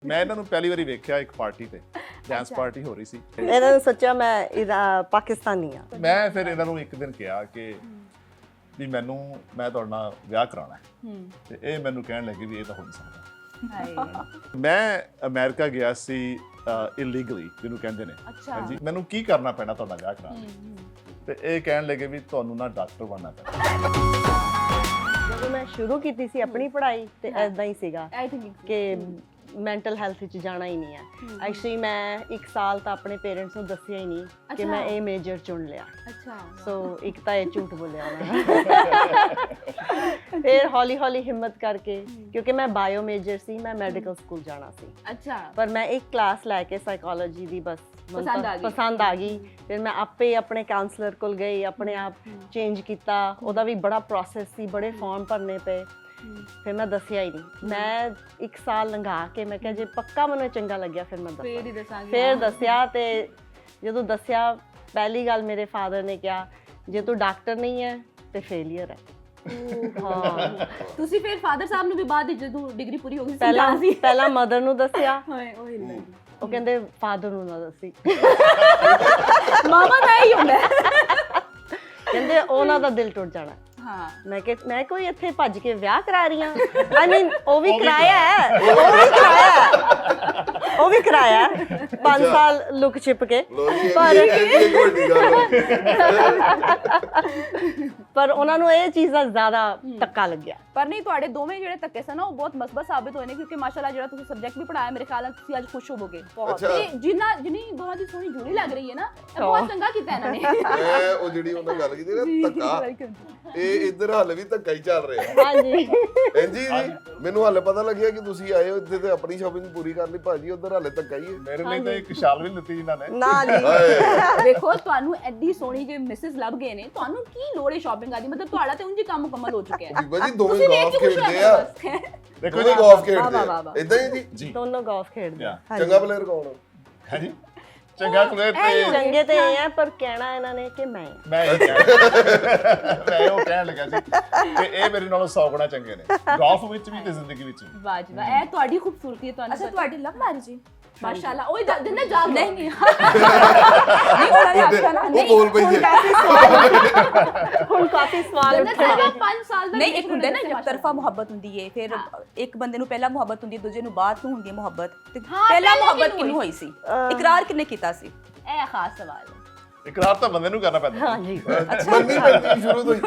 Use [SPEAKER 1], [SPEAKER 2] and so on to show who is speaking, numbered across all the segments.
[SPEAKER 1] ਮੈਂ ਇਹਨਾਂ ਨੂੰ ਪਹਿਲੀ ਵਾਰੀ ਵੇਖਿਆ ਇੱਕ ਪਾਰਟੀ ਤੇ ਡਾਂਸ ਪਾਰਟੀ ਹੋ ਰਹੀ ਸੀ।
[SPEAKER 2] ਇਹਨਾਂ ਨੇ ਸੋਚਿਆ ਮੈਂ ਪਾਕਿਸਤਾਨੀ ਆ।
[SPEAKER 1] ਮੈਂ ਫਿਰ ਇਹਨਾਂ ਨੂੰ ਇੱਕ ਦਿਨ ਕਿਹਾ ਕਿ ਵੀ ਮੈਂ ਤੁਹਾਡੇ ਨਾਲ ਵਿਆਹ ਕਰਾਉਣਾ ਹੈ ਤੇ ਇਹ ਮੈਨੂੰ ਕਹਿਣ ਲੱਗੇ ਵੀ ਇਹ ਤਾਂ ਹੋ ਨਹੀਂ ਸਕਦਾ। ਮੈਂ ਅਮਰੀਕਾ ਗਿਆ ਸੀ ਇਲੀਗਲੀ ਜਿਹਨੂੰ ਕਹਿੰਦੇ ਨੇ। ਹਾਂਜੀ, ਮੈਨੂੰ ਕੀ ਕਰਨਾ ਪੈਣਾ ਤੁਹਾਡਾ ਵਿਆਹ ਕਰਾਉਣ ਲਈ? ਤੇ ਇਹ ਕਹਿਣ ਲੱਗੇ ਵੀ ਤੁਹਾਨੂੰ ਨਾ ਡਾਕਟਰ ਬਣਨਾ ਪੈਣਾ।
[SPEAKER 2] ਜਦੋਂ ਮੈਂ ਸ਼ੁਰੂ ਕੀਤੀ ਸੀ ਆਪਣੀ ਪੜ੍ਹਾਈ ਤੇ ਐਦਾਂ ਹੀ ਸੀਗਾ ਕਿ ਮੈਂਟਲ ਹੈਲਥ ਵਿੱਚ ਜਾਣਾ ਹੀ ਨਹੀਂ ਹੈ। ਐਕਚੁਅਲੀ ਮੈਂ 1 ਸਾਲ ਤਾਂ ਆਪਣੇ ਪੇਰੈਂਟਸ ਨੂੰ ਦੱਸਿਆ ਹੀ ਨਹੀਂ ਕਿ ਮੈਂ ਇਹ ਮੇਜਰ ਚੁਣ ਲਿਆ। ਸੋ ਇੱਕ ਤਾਂ ਇਹ ਝੂਠ ਬੋਲਿਆ ਉਹਨਾਂ ਨੇ। ਫਿਰ ਹੌਲੀ ਹੌਲੀ ਹਿੰਮਤ ਕਰਕੇ, ਕਿਉਂਕਿ ਮੈਂ ਬਾਇਓ ਮੇਜਰ ਸੀ, ਮੈਂ ਮੈਡੀਕਲ ਸਕੂਲ ਜਾਣਾ ਸੀ। ਪਰ ਮੈਂ ਇੱਕ ਕਲਾਸ ਲੈ ਕੇ ਸਾਈਕੋਲੋਜੀ ਦੀ ਬਸ ਪਸੰਦ ਆ ਗਈ। ਫਿਰ ਮੈਂ ਆਪੇ ਆਪਣੇ ਕਾਉਂਸਲਰ ਕੋਲ ਗਈ, ਆਪਣੇ ਆਪ ਚੇਂਜ ਕੀਤਾ। ਉਹਦਾ ਵੀ ਬੜਾ ਪ੍ਰੋਸੈਸ ਸੀ, ਬੜੇ ਫਾਰਮ ਭਰਨੇ ਪਏ। ਫਿਰ ਮੈਂ ਦੱਸਿਆ ਹੀ ਨਹੀਂ। ਮੈਂ 1 ਸਾਲ ਲੰਘਾ ਕੇ ਮੈਂ ਕਿਹਾ ਜੇ ਪੱਕਾ ਮੈਨੂੰ ਚੰਗਾ ਲੱਗਿਆ ਫਿਰ ਮੈਂ ਫਿਰ ਦੱਸਿਆ। ਤੇ ਜਦੋਂ ਦੱਸਿਆ, ਪਹਿਲੀ ਗੱਲ ਮੇਰੇ ਫਾਦਰ ਨੇ ਕਿਹਾ ਜੇ ਤੂੰ ਡਾਕਟਰ ਨਹੀਂ ਹੈ ਤੇ ਫੇਲੀਅਰ ਹੈ।
[SPEAKER 3] ਹਾਂ, ਤੁਸੀਂ ਫਿਰ ਫਾਦਰ ਸਾਹਿਬ ਨੂੰ ਵੀ ਬਾਅਦ ਵਿੱਚ ਜਦੋਂ ਡਿਗਰੀ ਪੂਰੀ ਹੋ ਗਈ
[SPEAKER 2] ਪਹਿਲਾਂ ਮਦਰ ਨੂੰ ਦੱਸਿਆ। ਉਹ ਕਹਿੰਦੇ ਫਾਦਰ ਨੂੰ ਨਾ ਦੱਸੀ।
[SPEAKER 3] ਮਾਮਾ ਦਾ ਹੀ ਹੁੰਦਾ।
[SPEAKER 2] ਕਹਿੰਦੇ ਉਹਨਾਂ ਦਾ ਦਿਲ ਟੁੱਟ ਜਾਣਾ। ਮੈਂ ਕੋਈ ਇੱਥੇ ਭੱਜ ਕੇ ਵਿਆਹ ਕਰਾ ਰਹੀ ਹਾਂ। ਆਈ ਮੀਨ ਉਹ ਵੀ ਕਰਾਇਆ 5 ਸਾਲ ਲੁਕ ਛਿਪ ਕੇ। ਪਰ ਉਹਨਾਂ ਨੂੰ ਇਹ ਚੀਜ਼ ਦਾ ਜ਼ਿਆਦਾ ਧੱਕਾ ਲੱਗਿਆ।
[SPEAKER 3] ਪਰ ਨਹੀਂ, ਤੁਹਾਡੇ ਦੋਵੇਂ ਜਿਹੜੇ ਧੱਕੇ ਸਨ ਉਹ ਬਹੁਤ ਮਸਬਤ ਸਾਬਿਤ ਹੋਏ ਨੇ, ਕਿਉਂਕਿ ਮਾਸ਼ਾਅੱਲਾ ਜਿਹੜਾ ਤੁਸੀਂ ਸਬਜੈਕਟ ਵੀ ਪੜਾਇਆ, ਮੇਰੇ ਖਿਆਲ ਨਾਲ ਤੁਸੀਂ ਅੱਜ ਖੁਸ਼ ਹੋਵੋਗੇ ਬਹੁਤ। ਤੇ ਜਿੰਨੀ ਦੋਵਾਂ ਦੀ ਸੋਹਣੀ ਜੋੜੀ ਲੱਗ ਰਹੀ ਹੈ ਨਾ, ਇਹ ਬਹੁਤ ਚੰਗਾ ਕੀਤਾ ਇਹਨਾਂ ਨੇ।
[SPEAKER 4] ਮੈਂ ਉਹ ਜਿਹੜੀ ਉਹਨਾਂ ਗੱਲ ਕੀਤੀ ਨਾ ਧੱਕਾ, ਇਹ ਇੱਧਰ ਹਾਲੇ ਵੀ ਧੱਕਾ ਹੀ ਚੱਲ ਰਿਹਾ।
[SPEAKER 2] ਹਾਂਜੀ
[SPEAKER 4] ਜੀ ਮੈਨੂੰ ਹਾਲੇ ਪਤਾ ਲੱਗਿਆ ਕਿ ਤੁਸੀਂ ਆਏ ਹੋ ਇੱਥੇ ਤੇ ਆਪਣੀ ਸ਼ਾਪਿੰਗ ਪੂਰੀ ਕਰ ਲਈ। ਭਾਜੀ ਉੱਧਰ ਹਾਲੇ ਧੱਕਾ ਹੀ ਹੈ।
[SPEAKER 1] ਮੇਰੇ ਲਈ ਤਾਂ ਇੱਕ ਸ਼ਾਲ ਵੀ ਦਿੱਤੀ ਇਹਨਾਂ ਨੇ।
[SPEAKER 2] ਨਾ ਜੀ
[SPEAKER 3] ਵੇਖੋ, ਤੁਹਾਨੂੰ ਐਡੀ ਸੋਹਣੀ ਜੇ ਮਿਸਿਸ ਲੱਭ ਗਏ ਨੇ, ਤੁਹਾਨੂੰ ਕੀ ਲੋੜ ਹੈ ਸ਼ਾਪਿੰਗ ਦੀ? ਮਤਲਬ ਤੁਹਾਡਾ ਤੇ ਉਂਝ ਹੀ ਕੰਮ ਮੁਕੰਮਲ ਹੋ ਚੁੱਕਿਆ ਹੈ।
[SPEAKER 4] ਬਾਜੀ ਦੋਵੇਂ ਗੋਲਫ ਖੇਡਦੇ ਆ।
[SPEAKER 1] ਦੇਖੋ
[SPEAKER 4] ਜੀ ਗੋਲਫ ਖੇਡਦੇ ਆ ਇਦਾਂ ਹੀ ਜੀ।
[SPEAKER 2] ਦੋਨੋਂ ਗੋਲਫ ਖੇਡਦੇ ਆ।
[SPEAKER 4] ਚੰਗਾ ਪਲੇਅਰ ਕੌਣ ਹੈ ਜੀ?
[SPEAKER 1] ਚੰਗਾ ਪਲੇਅਰ ਤੇ
[SPEAKER 2] ਚੰਗੇ ਤੇ ਇਹ ਆ, ਪਰ ਕਹਿਣਾ ਇਹਨਾਂ ਨੇ ਕਿ ਮੈਂ
[SPEAKER 1] ਉਹ ਕਹਿਣ ਲੱਗਾ ਸੀ ਕਿ ਇਹ ਮੇਰੇ ਨਾਲੋਂ 100 ਗੁਣਾ ਚੰਗੇ ਨੇ ਗੋਲਫ ਵਿੱਚ ਵੀ ਤੇ ਜ਼ਿੰਦਗੀ ਵਿੱਚ ਵੀ।
[SPEAKER 3] ਵਾਹ ਜੀ ਵਾਹ, ਇਹ ਤੁਹਾਡੀ ਖੂਬਸੂਰਤੀ ਹੈ। ਤੁਹਾਨੂੰ
[SPEAKER 5] ਅੱਛਾ, ਤੁਹਾਡੀ ਲਵ ਮੈਰਿਜ ਹੈ?
[SPEAKER 3] ਮਾਸ਼ਾਅੱਲਾ। ਉਹ ਜਿੰਨੇ ਜਾਗ
[SPEAKER 5] ਨਹੀਂ
[SPEAKER 3] ਉਹਨਾਂ ਨੇ ਆਖਿਆ ਨਾ,
[SPEAKER 4] ਉਹ ਬੋਲ ਪਈ ਹੈ।
[SPEAKER 2] ਹੁਣ ਕਾਫੀ ਸਵਾਲ ਉੱਠੇ ਨੇ।
[SPEAKER 3] 5 ਸਾਲ ਦਾ
[SPEAKER 5] ਨਹੀਂ, ਇੱਕ ਹੁੰਦਾ ਨਾ ਇੱਕ ਤਰਫਾ ਮੁਹੱਬਤ ਹੁੰਦੀ ਹੈ, ਫਿਰ ਇੱਕ ਬੰਦੇ ਨੂੰ ਪਹਿਲਾਂ ਮੁਹੱਬਤ ਹੁੰਦੀ ਹੈ, ਦੂਜੇ ਨੂੰ ਬਾਅਦ ਨੂੰ ਹੁੰਦੀ ਹੈ ਮੁਹੱਬਤ। ਤੇ ਪਹਿਲਾਂ ਮੁਹੱਬਤ ਕਿਹਨੂੰ ਹੋਈ ਸੀ? ਇਕਰਾਰ ਕਿਹਨੇ ਕੀਤਾ ਸੀ?
[SPEAKER 3] ਇਹ ਖਾਸ ਸਵਾਲ ਹੈ।
[SPEAKER 1] ਇਕਰਾਰ ਤਾਂ ਬੰਦੇ ਨੂੰ ਕਰਨਾ ਪੈਂਦਾ।
[SPEAKER 2] ਹਾਂਜੀ,
[SPEAKER 4] ਮੰਨੀ ਪੈਂਦੀ ਸ਼ੁਰੂ ਤੋਂ ਹੀ।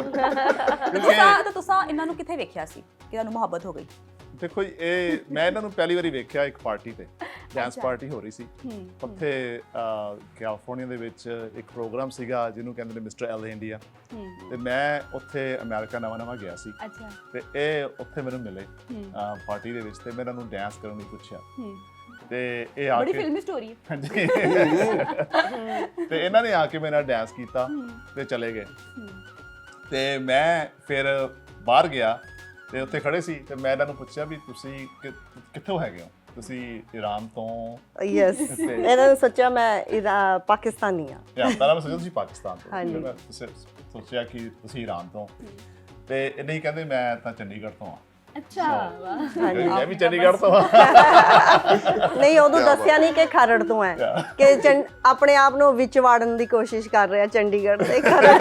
[SPEAKER 5] ਤੁਸੀਂ ਇਹਨਾਂ ਨੂੰ ਕਿੱਥੇ ਵੇਖਿਆ ਸੀ ਕਿ ਤੁਹਾਨੂੰ ਮੁਹੱਬਤ ਹੋ ਗਈ?
[SPEAKER 1] ਦੇਖੋ ਜੀ, ਮੈਂ ਇਹਨਾਂ ਨੂੰ ਪਹਿਲੀ ਵਾਰੀ ਵੇਖਿਆ ਇੱਕ ਪਾਰਟੀ ਤੇ ਡਾਂਸ ਪਾਰਟੀ ਹੋ ਰਹੀ ਸੀ। ਉੱਥੇ ਕੈਲੀਫੋਰਨੀਆ ਦੇ ਵਿੱਚ ਇੱਕ ਪ੍ਰੋਗਰਾਮ ਸੀਗਾ ਜਿਹਨੂੰ ਕਹਿੰਦੇ ਨੇ ਮਿਸਟਰ ਐਲ ਇੰਡੀਆ। ਤੇ ਮੈਂ ਉੱਥੇ ਅਮਰੀਕਾ ਨਵਾਂ ਗਿਆ ਸੀ। ਤੇ ਇਹ ਉੱਥੇ ਮੈਨੂੰ ਮਿਲੇ ਪਾਰਟੀ ਦੇ ਵਿੱਚ ਤੇ ਮੈਂ ਇਹਨਾਂ ਨੂੰ ਡਾਂਸ ਕਰਨ ਲਈ ਪੁੱਛਿਆ। ਤੇ ਇਹ ਆ ਕੇ
[SPEAKER 3] ਬੜੀ ਫਿਲਮੀ ਸਟੋਰੀ ਹੈ।
[SPEAKER 1] ਹਾਂਜੀ। ਤੇ ਇਹਨਾਂ ਨੇ ਆ ਕੇ ਮੇਰੇ ਨਾਲ ਡਾਂਸ ਕੀਤਾ ਤੇ ਚਲੇ ਗਏ। ਤੇ ਮੈਂ ਫਿਰ ਬਾਹਰ ਗਿਆ ਤੇ ਉੱਥੇ ਖੜੇ ਸੀ ਤੇ ਮੈਂ ਇਹਨਾਂ ਨੂੰ ਪੁੱਛਿਆ ਵੀ ਤੁਸੀਂ ਕਿੱਥੋਂ ਹੈਗੇ ਹੋ? ਤੁਸੀਂ ਈਰਾਨ ਤੋਂ?
[SPEAKER 2] ਯੈਸ। ਇਹਨਾਂ ਨੇ ਸੋਚਿਆ ਮੈਂ ਪਾਕਿਸਤਾਨੀ ਆ।
[SPEAKER 1] ਪਹਿਲਾਂ ਮੈਂ ਸੋਚਿਆ ਤੁਸੀਂ ਪਾਕਿਸਤਾਨ ਤੋਂ।
[SPEAKER 2] ਹਾਂਜੀ।
[SPEAKER 1] ਮੈਂ ਸੋਚਿਆ ਕਿ ਤੁਸੀਂ ਈਰਾਨ ਤੋਂ। ਤੇ ਇਹ ਨਹੀਂ ਕਹਿੰਦੇ ਮੈਂ ਤਾਂ ਚੰਡੀਗੜ੍ਹ ਤੋਂ ਆ।
[SPEAKER 3] ਅੱਛਾ,
[SPEAKER 1] ਮੈਂ ਵੀ ਚੰਡੀਗੜ੍ਹ ਤੋਂ ਆ।
[SPEAKER 2] ਨਹੀਂ, ਉਦੋਂ ਦੱਸਿਆ ਨਹੀਂ ਕਿ ਖਰੜ ਤੋਂ ਹੈ, ਕਿ ਆਪਣੇ ਆਪ ਨੂੰ ਵਿੱਚ ਵਾੜਨ ਦੀ ਕੋਸ਼ਿਸ਼ ਕਰ ਰਿਹਾ ਚੰਡੀਗੜ੍ਹ ਤੇ ਖਰੜ।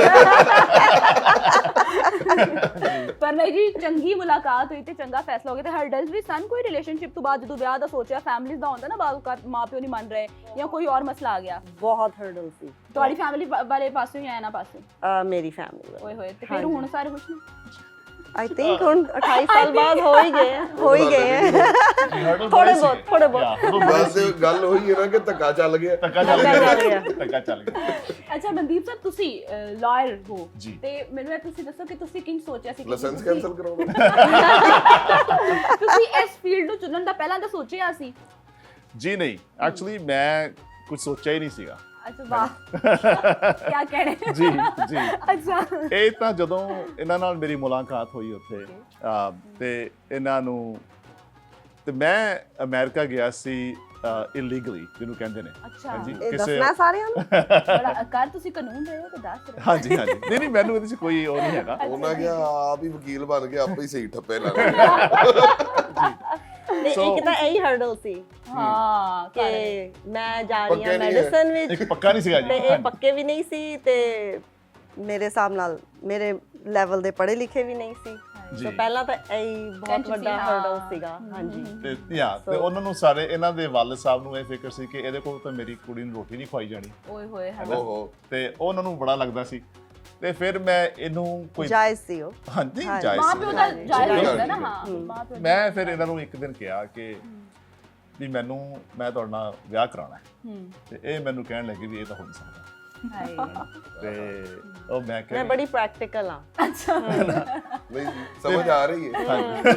[SPEAKER 3] ਪਰ ਨਹੀਂ ਜੀ, ਚੰਗੀ ਮੁਲਾਕਾਤ ਹੋਈ ਤੇ ਚੰਗਾ ਫੈਸਲਾ ਹੋ ਗਿਆ। ਤੇ ਹਰਡਲਸ ਵੀ ਸਨ ਕੋਈ ਰਿਲੇਸ਼ਨਸ਼ਿਪ ਤੋਂ ਬਾਅਦ, ਜਦੋਂ ਵਿਆਹ ਦਾ ਸੋਚਿਆ? ਫੈਮਿਲੀਜ਼ ਦਾ ਹੁੰਦਾ ਨਾ, ਬਾਅਦ ਮਾਂ ਪਿਓ ਨਹੀਂ ਮੰਨ ਰਹੇ ਜਾਂ ਕੋਈ ਹੋਰ ਮਸਲਾ ਆ ਗਿਆ।
[SPEAKER 2] ਬਹੁਤ ਹਰਡਲ ਸੀ।
[SPEAKER 3] ਤੁਹਾਡੀ ਫੈਮਿਲੀ ਵਾਲੇ ਪਾਸੋਂ ਜਾਂ ਇਹਨਾਂ ਪਾਸੋਂ?
[SPEAKER 2] ਮੇਰੀ ਫੈਮਿਲੀ
[SPEAKER 3] ਓਏ ਹੋਏ। ਤੇ ਫਿਰ ਹੁਣ ਸਾਰੇ ਖੁਸ਼ ਨੇ?
[SPEAKER 2] ਆਈ ਥਿੰਕ ਹੁਣ 28 ਸਾਲ ਬਾਅਦ ਹੋ ਹੀ ਗਏ ਥੋੜੇ ਬਹੁਤ।
[SPEAKER 4] ਬਸ ਗੱਲ ਹੋਈ ਹੈ ਨਾ ਕਿ ਧੱਕਾ ਚੱਲ ਗਿਆ।
[SPEAKER 1] ਧੱਕਾ ਚੱਲ ਗਿਆ।
[SPEAKER 3] ਅੱਛਾ ਮਨਦੀਪ ਸਾਹਿਬ, ਤੁਸੀਂ ਲਾਇਰ ਹੋ ਤੇ ਮੈਨੂੰ ਇਹ ਤੁਸੀਂ ਦੱਸੋ ਕਿ ਤੁਸੀਂ ਕਿੰਜ ਸੋਚਿਆ ਸੀ
[SPEAKER 4] ਲਾਇਸੈਂਸ ਕੈਂਸਲ ਕਰਾਉਣਾ?
[SPEAKER 3] ਤੁਸੀਂ ਇਸ ਫੀਲਡ ਨੂੰ ਚੁਣਨ ਦਾ ਪਹਿਲਾਂ ਤਾਂ ਸੋਚਿਆ ਸੀ?
[SPEAKER 1] ਜੀ ਨਹੀਂ, ਐਕਚੁਅਲੀ ਮੈਂ ਕੁਝ ਸੋਚਿਆ ਹੀ ਨਹੀਂ ਸੀਗਾ।
[SPEAKER 3] ਅੱਛਾ, ਵਾਹ ਕੀ ਕਹਿਣੇ।
[SPEAKER 1] ਜੀ ਜੀ।
[SPEAKER 3] ਅੱਛਾ,
[SPEAKER 1] ਇਹ ਤਾਂ ਜਦੋਂ ਇਹਨਾਂ ਨਾਲ ਮੇਰੀ ਮੁਲਾਕਾਤ ਹੋਈ ਉੱਥੇ ਤੇ ਇਹਨਾਂ ਨੂੰ ਤੇ ਮੈਂ ਅਮਰੀਕਾ ਗਿਆ ਸੀ ਇਲੀਗਲੀ ਜਿਹਨੂੰ ਕਹਿੰਦੇ ਨੇ।
[SPEAKER 3] ਹਾਂਜੀ,
[SPEAKER 2] ਦੱਸਣਾ ਸਾਰਿਆਂ ਨੂੰ।
[SPEAKER 3] ਬੜਾ ਕਰ ਤੁਸੀਂ ਕਾਨੂੰਨ ਰਹੇ ਹੋ ਤੇ ਦੱਸ ਰਹੇ।
[SPEAKER 1] ਹਾਂਜੀ ਹਾਂਜੀ। ਨਹੀਂ ਮੈਨੂੰ ਇਹਦੇ 'ਚ ਕੋਈ ਉਹ ਨਹੀਂ ਹੈਗਾ।
[SPEAKER 4] ਉਹਨਾਂ ਕਿਹਾ ਆਪ ਹੀ ਵਕੀਲ ਬਣ ਕੇ ਆਪੇ ਹੀ ਸਹੀ ਠੱਪੇ ਲਾ
[SPEAKER 2] ਤੇ ਇੱਕ ਤਾਂ ਇਹੀ ਹਰਡਲ ਸੀ
[SPEAKER 3] ਹਾਂ
[SPEAKER 2] ਕਿ ਮੈਂ ਜਾ ਰਹੀ
[SPEAKER 4] ਪੱਕੇ
[SPEAKER 2] ਹਾਂ
[SPEAKER 4] ਨਹੀਂ ਹੈ।
[SPEAKER 2] ਮੈਡੀਸਨ ਵਿੱਚ
[SPEAKER 1] ਇੱਕ ਪੱਕਾ ਨਹੀਂ ਸੀਗਾ ਜੀ
[SPEAKER 2] ਤੇ ਇਹ ਪੱਕੇ ਵੀ ਨਹੀਂ ਸੀ ਤੇ ਮੇਰੇ ਹਿਸਾਬ ਨਾਲ ਮੇਰੇ ਲੈਵਲ ਦੇ ਪੜ੍ਹੇ ਲਿਖੇ ਵੀ ਨਹੀਂ ਸੀ
[SPEAKER 1] ਜੀ।
[SPEAKER 2] ਸੋ ਪਹਿਲਾਂ ਤਾਂ ਇਹੀ ਬਹੁਤ
[SPEAKER 3] Tension
[SPEAKER 2] ਵੱਡਾ
[SPEAKER 3] ਸੀ,
[SPEAKER 2] ਹਰਡਲ
[SPEAKER 3] ਹਾਂ।
[SPEAKER 2] ਸੀਗਾ ਹਾਂਜੀ
[SPEAKER 1] ਤੇ ਹਾਂ ਤੇ ਉਹਨਾਂ ਨੂੰ ਸਾਰੇ ਇਹਨਾਂ ਦੇ ਵਾਲਿਦ ਸਾਹਿਬ ਨੂੰ ਇਹ ਫਿਕਰ ਸੀ ਕਿ ਇਹਦੇ ਕੋਲ ਤਾਂ ਮੇਰੀ ਕੁੜੀ ਨੂੰ ਰੋਟੀ ਨਹੀਂ ਖਵਾਈ ਜਾਣੀ
[SPEAKER 3] ਓਏ ਹੋਏ ਹੈ
[SPEAKER 4] ਓਹੋ
[SPEAKER 1] ਤੇ ਉਹਨਾਂ ਨੂੰ ਬੜਾ ਲੱਗਦਾ ਸੀ ਤੇ ਫਿਰ ਮੈਂ ਇਹਨੂੰ ਕੋਈ
[SPEAKER 2] ਜਾਇਜ਼ ਸੀ ਉਹ
[SPEAKER 1] ਹਾਂਜੀ
[SPEAKER 2] ਹਾਂ,
[SPEAKER 1] ਜਾਇਜ਼
[SPEAKER 3] ਮਾਂ
[SPEAKER 1] ਸੀ।
[SPEAKER 3] ਪਿਓ ਦਾ ਜਾਇਜ਼ ਹੁੰਦਾ ਨਾ
[SPEAKER 4] ਹਮ।
[SPEAKER 3] ਹਾਂ ਮਾਂ ਪਿਓ
[SPEAKER 1] ਮੈਂ ਫਿਰ ਇਹਨਾਂ ਨੂੰ ਇੱਕ ਦਿਨ ਕਿਹਾ ਕਿ ਵੀ ਮੈਂ ਤੁਹਾਡੇ ਨਾਲ ਵਿਆਹ ਕਰਾਉਣਾ ਹੈ ਤੇ ਇਹ ਮੈਨੂੰ ਕਹਿਣ ਲੱਗੇ ਵੀ ਇਹ ਤਾਂ ਹੋ ਨਹੀਂ ਸਕਦਾ
[SPEAKER 3] ਹਾਏ
[SPEAKER 1] ਤੇ ਉਹ ਮੈਂ
[SPEAKER 2] ਮੈਂ
[SPEAKER 1] ਕਿਹਾ
[SPEAKER 2] ਬੜੀ ਪ੍ਰੈਕਟੀਕਲ ਆ
[SPEAKER 4] ਨਹੀਂ ਸਮਝ ਆ ਰਹੀ ਹੈ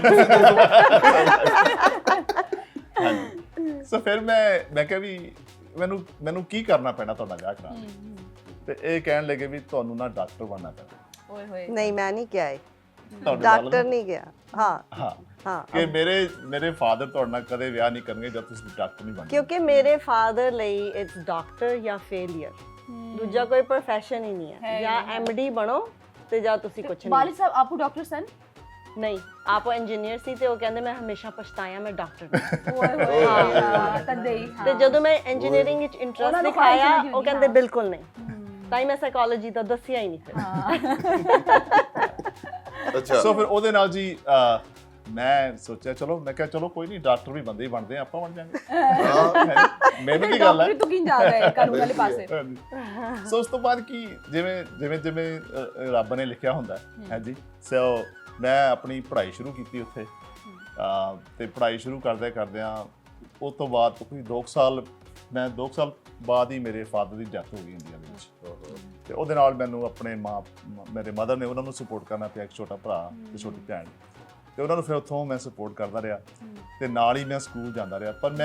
[SPEAKER 1] ਹਾਂਜੀ ਸੋ ਫਿਰ ਮੈਂ ਕਿਹਾ ਵੀ ਮੈਨੂੰ ਕੀ ਕਰਨਾ ਪੈਣਾ ਤੁਹਾਡਾ ਵਿਆਹ ਕਰਾਉਣ ਲਈ ਤੇ ਇਹ ਕਹਿਣ ਲੱਗੇ ਵੀ ਤੁਹਾਨੂੰ ਨਾ ਡਾਕਟਰ ਬਣਨਾ ਪੈਣਾ
[SPEAKER 3] ਓਏ ਹੋਏ
[SPEAKER 2] ਨਹੀਂ ਮੈਂ ਨਹੀਂ ਕਿਹਾ ਇਹ
[SPEAKER 1] ਤੁਹਾਡੇ ਵੱਲ
[SPEAKER 2] ਡਾਕਟਰ ਨਹੀਂ ਗਿਆ ਹਾਂ
[SPEAKER 1] ਹਾਂ
[SPEAKER 2] ਹਾਂ
[SPEAKER 1] ਕਿ ਮੇਰੇ ਫਾਦਰ ਤੁਹਾਡੇ ਨਾਲ ਕਦੇ ਵਿਆਹ ਨਹੀਂ ਕਰਨਗੇ ਜਦ ਤੁਸੀਂ ਡਾਕਟਰ ਨਹੀਂ ਬਣਦੇ
[SPEAKER 2] ਕਿਉਂਕਿ ਮੇਰੇ ਫਾਦਰ ਲਈ ਇਟਸ ਡਾਕਟਰ ਜਾਂ ਫੇਲਿਅਰ ਦੂਜਾ ਕੋਈ profession ਹੀ ਨਹੀਂ ਹੈ ਜਾਂ ਐਮਡੀ ਬਣੋ ਤੇ ਜਾਂ ਤੁਸੀਂ ਕੁਝ ਨਹੀਂ
[SPEAKER 3] ਵਾਲਿਦ ਸਾਹਿਬ ਆਪੂ ਡਾਕਟਰ ਸਨ
[SPEAKER 2] ਨਹੀਂ ਆਪ ਇੰਜੀਨੀਅਰ ਸੀ ਤੇ ਉਹ ਕਹਿੰਦੇ ਮੈਂ ਹਮੇਸ਼ਾ ਪਛਤਾਇਆ ਮੈਂ ਡਾਕਟਰ
[SPEAKER 3] ਓਏ ਹੋਏ ਹਾਂ ਤਦੇ ਹੀ
[SPEAKER 2] ਤੇ ਜਦੋਂ ਮੈਂ ਇੰਜੀਨੀਅਰਿੰਗ ਵਿੱਚ
[SPEAKER 3] ਉਹਨਾਂ
[SPEAKER 2] ਇੰਟਰਸਟ
[SPEAKER 3] ਨੂੰ
[SPEAKER 2] ਦਿਖਾਇਆ
[SPEAKER 3] ਖੁਆਇਸ਼ ਨਹੀਂ
[SPEAKER 2] ਉਹ ਕਹਿੰਦੇ
[SPEAKER 3] ਹਾਂ।
[SPEAKER 2] ਬਿਲਕੁਲ ਨਹੀਂ ਤਾਂ ਹੀ ਮੈਂ ਸਾਈਕੋਲੋਜੀ ਦਾ ਦੱਸਿਆ ਹੀ ਨਹੀਂ ਫਿਰ
[SPEAKER 4] ਅੱਛਾ
[SPEAKER 1] ਸੋ ਫਿਰ ਉਹਦੇ ਨਾਲ ਜੀ ਮੈਂ ਸੋਚਿਆ ਚਲੋ ਮੈਂ ਕਿਹਾ ਚਲੋ ਕੋਈ ਨਹੀਂ ਡਾਕਟਰ ਵੀ ਬੰਦੇ ਹੀ ਬਣਦੇ ਆ ਆਪਾਂ ਬਣ ਜਾਾਂਗੇ ਮੈਨੂੰ ਕੀ ਗੱਲ ਹੈ
[SPEAKER 3] ਡਾਕਟਰ ਤੋਂ ਕਿੰਜ ਜਾ ਰਿਹਾ ਹੈ ਕਾਨੂੰਨ ਵਾਲੇ ਪਾਸੇ
[SPEAKER 1] ਸੋ ਉਸ ਤੋਂ ਬਾਅਦ ਕੀ ਜਿਵੇਂ ਰੱਬ ਨੇ ਲਿਖਿਆ ਹੁੰਦਾ ਹੈ ਜੀ ਸੋ ਮੈਂ ਆਪਣੀ ਪੜ੍ਹਾਈ ਸ਼ੁਰੂ ਕੀਤੀ ਉੱਥੇ ਤੇ ਪੜ੍ਹਾਈ ਸ਼ੁਰੂ ਕਰਦਿਆਂ ਉਸ ਤੋਂ ਬਾਅਦ ਕੋਈ 2 ਸਾਲ ਬਾਅਦ ਹੀ ਮੇਰੇ ਫਾਦਰ ਦੀ ਡੈਥ ਹੋ ਗਈ ਇੰਡੀਆ ਦੇ ਵਿੱਚ ਤੇ ਉਹਦੇ ਨਾਲ ਮੈਨੂੰ ਆਪਣੇ ਮੇਰੇ ਮਦਰ ਨੇ ਉਹਨਾਂ ਨੂੰ ਸਪੋਰਟ ਕਰਨਾ ਪਿਆ ਇੱਕ ਛੋਟਾ ਭਰਾ ਤੇ ਛੋਟੀ ਭੈਣ ਤੇ ਉਹਨਾਂ ਨੂੰ ਫਿਰ ਉੱਥੋਂ ਮੈਂ ਸਪੋਰਟ ਕਰਦਾ ਰਿਹਾ ਤੇ ਨਾਲ ਹੀ ਮੈਂ ਸਕੂਲ ਜਾਂਦਾ ਰਿਹਾ ਪਰ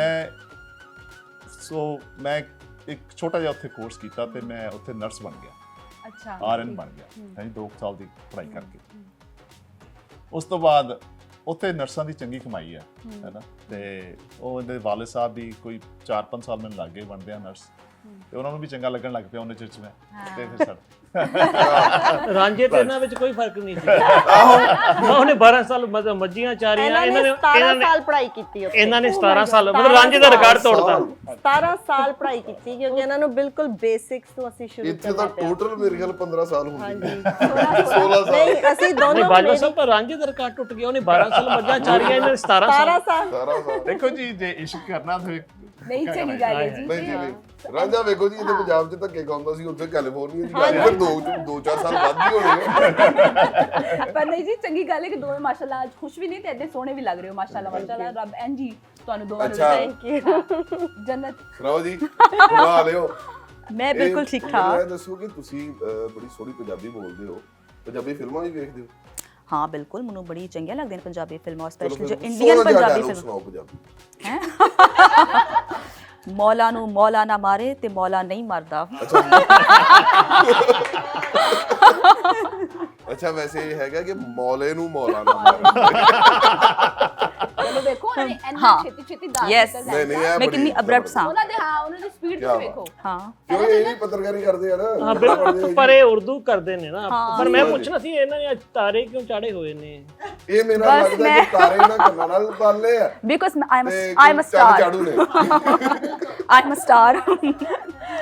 [SPEAKER 1] ਮੈਂ ਇੱਕ ਛੋਟਾ ਜਿਹਾ ਉੱਥੇ ਕੋਰਸ ਕੀਤਾ ਤੇ ਮੈਂ ਉੱਥੇ ਨਰਸ ਬਣ ਗਿਆ
[SPEAKER 3] ਅੱਛਾ
[SPEAKER 1] ਆਰਐਨ ਬਣ ਗਿਆ ਹਾਂਜੀ 2 ਸਾਲ ਦੀ ਪੜ੍ਹਾਈ ਕਰਕੇ ਉਸ ਤੋਂ ਬਾਅਦ ਉੱਥੇ ਨਰਸਾਂ ਦੀ ਚੰਗੀ ਕਮਾਈ ਹੈ ਹੈਨਾ ਤੇ ਉਹ ਇਹਦੇ ਵਾਲਿਦ ਸਾਹਿਬ ਵੀ ਕੋਈ 4-5 ਸਾਲ ਮੈਨੂੰ ਲੱਗ ਗਏ ਬਣਦੇ ਆ ਨਰਸ ਤੇ ਉਹਨਾਂ ਨੂੰ ਵੀ ਚੰਗਾ ਲੱਗਣ ਲੱਗ ਪਿਆ ਉਹਨੇ ਚਿਰ ਚ ਮੈਂ ਤੇ ਫਿਰ ਸਰ
[SPEAKER 6] ਰਾਂਝੇ ਤੇ ਇਹਨਾਂ ਵਿੱਚ ਕੋਈ ਫਰਕ ਨਹੀਂ ਸੀ ਉਹਨੇ 12 ਸਾਲ ਮੱਝੀਆਂ ਚਾਰੀਆਂ
[SPEAKER 2] ਇਹਨਾਂ ਨੇ 17 ਸਾਲ ਪੜ੍ਹਾਈ ਕੀਤੀ ਉੱਥੇ
[SPEAKER 6] ਇਹਨਾਂ ਨੇ 17 ਸਾਲ ਮਤਲਬ ਰਾਂਝੇ ਦਾ ਰਿਕਾਰਡ ਤੋੜਤਾ
[SPEAKER 2] 17 ਸਾਲ ਪੜ੍ਹਾਈ ਕੀਤੀ ਕਿਉਂਕਿ ਇਹਨਾਂ ਨੂੰ ਬਿਲਕੁਲ ਬੇਸਿਕਸ ਤੋਂ ਅਸੀਂ ਸ਼ੁਰੂ
[SPEAKER 4] ਇੱਥੇ ਤਾਂ ਟੋਟਲ ਮੇਰੇ ਖਿਆਲ 15 ਸਾਲ ਹੁੰਦੀ
[SPEAKER 2] ਹਾਂਜੀ
[SPEAKER 4] ਹੈ 16 ਸਾਲ
[SPEAKER 2] ਨਹੀਂ ਅਸੀਂ
[SPEAKER 6] ਨਹੀਂ
[SPEAKER 2] ਦੋਨੋਂ
[SPEAKER 6] ਬਾਜਵਾ ਸਾਹਿਬ ਪਰ ਰਾਂਝੇ ਦਾ ਰਿਕਾਰਡ ਟੁੱਟ ਗਿਆ ਉਹਨੇ 12 ਸਾਲ ਮੱਝਾਂ ਚਾਰੀਆਂ ਇਹਨਾਂ ਨੇ 17 ਸਾਲ
[SPEAKER 2] 17 ਸਾਲ
[SPEAKER 4] 17 ਸਾਲ
[SPEAKER 1] ਦੇਖੋ ਜੀ ਜੇ ਇਸ਼ਕ ਕਰਨਾ ਤੇ
[SPEAKER 3] ਨਹੀਂ ਚੰਗੀ ਗੱਲ ਹੈ ਜੀ
[SPEAKER 4] ਨਹੀਂ ਜੀ ਨਹੀਂ ਰਾਂਝਾ ਵੇਖੋ ਜੀ ਇਹਦੇ ਪੰਜਾਬ 'ਚ ਧੱਕੇ ਖਾਂਦਾ ਸੀ ਉੱਥੇ ਕੈਲੀਫੋਰਨੀਆ 'ਚ ਜਾ ਕੇ 2-4 ਸਾਲ ਵੱਧ ਹੀ ਹੋਣੇ
[SPEAKER 3] ਪਰ ਨਹੀਂ ਜੀ ਚੰਗੀ ਗੱਲ ਹੈ ਕਿ ਦੋਵੇਂ ਮਾਸ਼ਾਅੱਲਾ ਅੱਜ ਖੁਸ਼ ਵੀ ਨਹੀਂ ਤੇ ਐਡੇ ਸੋਹਣੇ ਵੀ ਲੱਗ ਰਹੇ ਹੋ ਮਾਸ਼ਾਅੱਲਾ ਰੱਬ ਐਨ ਜੀ ਤੁਹਾਨੂੰ ਦੋਵਾਂ ਨੂੰ
[SPEAKER 4] ਅੱਛਾ।
[SPEAKER 2] ਥੈਂਕ ਯੂ
[SPEAKER 3] ਜੰਨਤ
[SPEAKER 4] ਸੁਣਾਓ ਜੀ ਬੁਲਾ ਲਿਓ
[SPEAKER 5] ਮੈਂ ਬਿਲਕੁਲ ਠੀਕ
[SPEAKER 4] ਮੈਨੂੰ
[SPEAKER 5] ਠਾਕ
[SPEAKER 4] ਇਹ ਦੱਸੋ ਕਿ ਤੁਸੀਂ ਬੜੀ ਸੋਹਣੀ ਪੰਜਾਬੀ ਬੋਲਦੇ ਹੋ ਪੰਜਾਬੀ ਫਿਲਮਾਂ ਵੀ ਵੇਖਦੇ ਹੋ
[SPEAKER 5] ਹਾਂ ਬਿਲਕੁਲ ਮੈਨੂੰ ਬੜੀ ਚੰਗੀਆਂ ਲੱਗਦੀਆਂ ਨੇ ਪੰਜਾਬੀ ਫਿਲਮਾਂ
[SPEAKER 4] ਚਲੋ
[SPEAKER 5] ਸਪੈਸ਼ਲੀ ਜੋ
[SPEAKER 4] ਫਿਰ
[SPEAKER 5] ਇੰਡੀਅਨ
[SPEAKER 4] ਸੋਹਣਾ ਜਿਹਾ
[SPEAKER 5] ਪੰਜਾਬੀ
[SPEAKER 4] dialogue
[SPEAKER 5] ਫਿਲਮ
[SPEAKER 4] ਸੁਣਾਓ ਪੰਜਾਬੀ
[SPEAKER 5] ਹੈ ਮੌਲਾ ਨੂੰ ਮੌਲਾ ਨਾ ਮਾਰੇ ਤੇ ਮੌਲਾ ਨਹੀਂ ਮਰਦਾ
[SPEAKER 4] ਅੱਛਾ ਵੈਸੇ ਇਹ ਹੈਗਾ ਕਿ ਮੌਲੇ ਨੂੰ ਮੌਲਾ ਨਾ ਮਾਰੇ
[SPEAKER 3] ਚਲੋ ਦੇਖੋ ਉਹਨਾਂ ਨੇ ਇੰਨਾ
[SPEAKER 5] ਹਾਂ।
[SPEAKER 3] ਛੇਤੀ ਦਾਲ
[SPEAKER 5] Yes।
[SPEAKER 3] ਦਿੱਤਾ
[SPEAKER 4] ਨਹੀਂ ਨਹੀਂ
[SPEAKER 3] ਜਾਏਗਾ।
[SPEAKER 4] ਇਹ
[SPEAKER 5] ਮੈਂ ਕਿੰਨੀ
[SPEAKER 4] ਬੜੀ
[SPEAKER 5] abrupt ਸਾਂ।
[SPEAKER 3] ਉਹਨਾਂ ਦੀ ਸਪੀਡ
[SPEAKER 4] ਕਿਆ
[SPEAKER 3] ਤੁਸੀਂ
[SPEAKER 4] ਬਾਤ।
[SPEAKER 3] ਵੇਖੋ
[SPEAKER 5] ਹਾਂ
[SPEAKER 4] ਕਿਉਂ ਇਹ ਵੀ ਪੱਤਰਕਾਰੀ ਕਰਦੇ ਆ ਨਾ
[SPEAKER 6] ਹਾਂ ਬਿਲਕੁਲ ਪਰ ਇਹ ਉਰਦੂ ਕਰਦੇ ਨੇ ਨਾ
[SPEAKER 5] ਹਾਂ।
[SPEAKER 6] ਪਰ ਮੈਂ ਪੁੱਛਣਾ ਸੀ ਇਹਨਾਂ ਨੇ ਅੱਜ ਤਾਰੇ ਕਿਉਂ ਚਾੜੇ ਹੋਏ ਨੇ
[SPEAKER 4] ਇਹ ਮੇਰਾ
[SPEAKER 5] ਬਸ
[SPEAKER 4] ਲੱਗਦਾ
[SPEAKER 5] ਮੈਂ-
[SPEAKER 4] ਕਿ ਤਾਰੇ ਨਾ ਕੰਨਾਂ ਨਾਲ ਪਾਲੇ ਆ
[SPEAKER 5] ਬਿਕਾਜ਼ ਆਈ ਐਮ
[SPEAKER 4] ਤੇ
[SPEAKER 5] ਅ
[SPEAKER 4] ਚੰਦ
[SPEAKER 5] ਸਟਾਰ
[SPEAKER 4] ਝਾੜੂ ਨੇ
[SPEAKER 5] ਆਈ ਐਮ ਅ ਸਟਾਰ